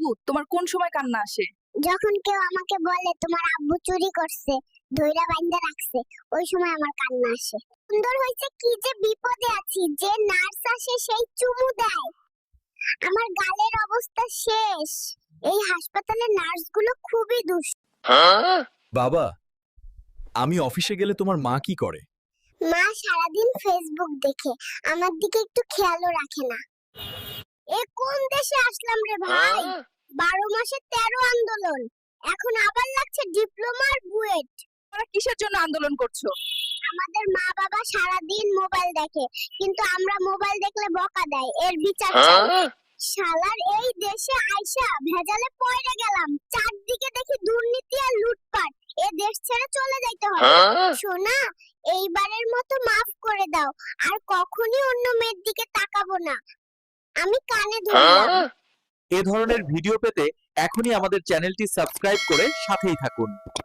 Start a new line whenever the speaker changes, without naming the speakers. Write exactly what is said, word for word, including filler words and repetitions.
আপু, তোমার কোন সময় কান্না আসে?
যখন কেউ আমাকে বলে তোমার আব্বু চুরি করছে, ধইরা বাইন্ধা রাখছে, ওই সময় আমার কান্না আসে। সুন্দর হইছে কি যে বিপদে আছি, যে নার্স আসে সেই চুমু দেয়। আমার গালের অবস্থা শেষ। এই হাসপাতালের নার্সগুলো খুবই দুষ্ট।
বাবা, আমি অফিসে গেলে তোমার মা কি করে?
মা সারাদিন ফেসবুক দেখে, আমার দিকে একটু খেয়ালও রাখে না। এ কোন দেশে আসলাম রে ভাই? বারো মাসে তেরো আন্দোলন, এখন আবার লাগছে ডিপ্লোমার বুয়েট।
তোমরা কিসের জন্য আন্দোলন করছো?
আমাদের মা বাবা সারাদিন মোবাইল দেখে, কিন্তু আমরা মোবাইল দেখলে বকা দেয়, এর বিচার চাই। শালার এই দেশে আইসা ভেজালে পড়ে গেলাম, চারদিকে দেখি দুর্নীতি আর লুটপাট। এ দেশ ছেড়ে চলে যাইতে হবে। সোনা, এইবারের মতো মাফ করে দাও, আর কখনই অন্য মেয়ের দিকে তাকাবো না। আমি কানে ধরলাম।
এ ধরনের ভিডিও পেতে এখনই আমাদের চ্যানেলটি সাবস্ক্রাইব করে সাথেই থাকুন।